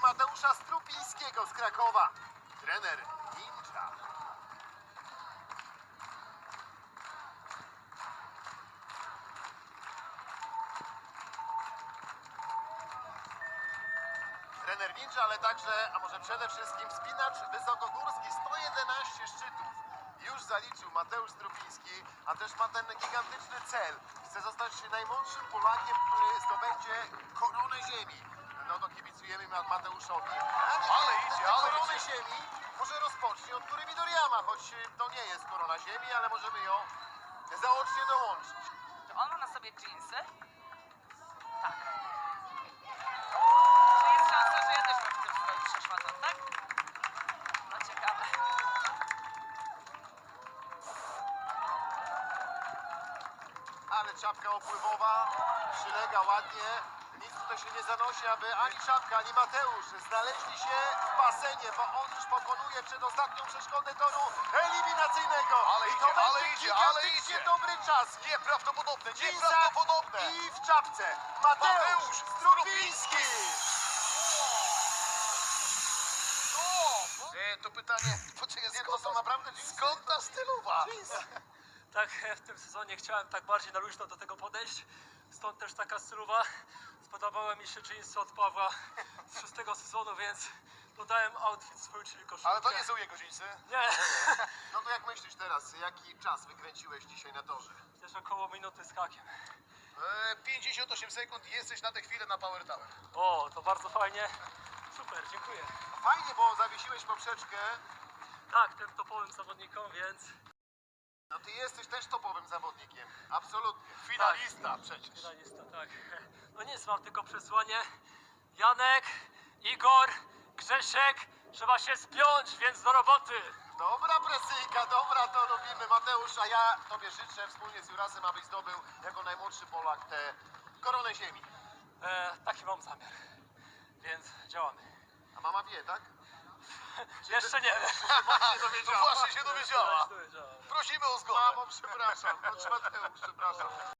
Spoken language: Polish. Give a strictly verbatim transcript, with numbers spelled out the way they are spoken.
Mateusza Strupińskiego z Krakowa. Trener Ninja. Trener Ninja, ale także, a może przede wszystkim wspinacz wysokogórski, sto jedenaście szczytów. Już zaliczył Mateusz Strupiński, a też ma ten gigantyczny cel. Chce zostać najmłodszym Polakiem, który zdobędzie koronę ziemi. No to kibicujemy Mateuszowi. Ale idzie, ale koronę idzie. ziemi może rozpocznie od Tury Midoriyama, choć to nie jest korona ziemi, ale możemy ją zaocznie dołączyć. Czy on ma na sobie dżinsy? Tak. Czy jest szansa, że ja też bym w tym stroju przeszła tam, tak? No ciekawe. Ale czapka opływowa przylega ładnie. Nic tutaj się nie zanosi, aby ani czapka, ani Mateusz znaleźli się w basenie, bo on już pokonuje przedostatnią przeszkodę toru eliminacyjnego. Ale I idzie, to ale będzie idzie, ale gigantycznie idzie. dobry czas. Nieprawdopodobne, W dżinsach nieprawdopodobne! i w czapce. Mateusz Mateusz Strupiński. O! E, to pytanie, poczekaj, Nie, to skąd, są naprawdę dżinsy? skąd ta stylowa? Tak, w tym sezonie chciałem tak bardziej na luźno do tego podejść, stąd też taka stylowa. Spodobały mi się jeansy od Pawła z szóstego sezonu, więc dodałem outfit swój, czyli koszulkę. Ale to nie są jego dżinsy. Nie, No to jak myślisz teraz, jaki czas wykręciłeś dzisiaj na torze? też około minuty z hakiem. E, pięćdziesiąt osiem sekund i jesteś na tę chwilę na Power Tower. O, to bardzo fajnie. Super, dziękuję. Fajnie, bo zawiesiłeś poprzeczkę. Tak, tym topowym zawodnikom, więc No ty jesteś też topowym zawodnikiem. Absolutnie. Finalista przecież. finalista, tak. No nic, mam tylko przesłanie. Janek, Igor, Grzesiek, trzeba się spiąć, więc do roboty. Dobra presyjka, dobra, to lubimy. Mateusz, a ja tobie życzę wspólnie z Jurasem, abyś zdobył jako najmłodszy Polak tę koronę ziemi. E, taki mam zamiar, więc działamy. A mama wie, tak? Jeszcze nie wiem. No właśnie się dowiedziała. Dowiedziała. Prosimy o zgodę. Mamo, przepraszam. Znaczy Mateusz, przepraszam.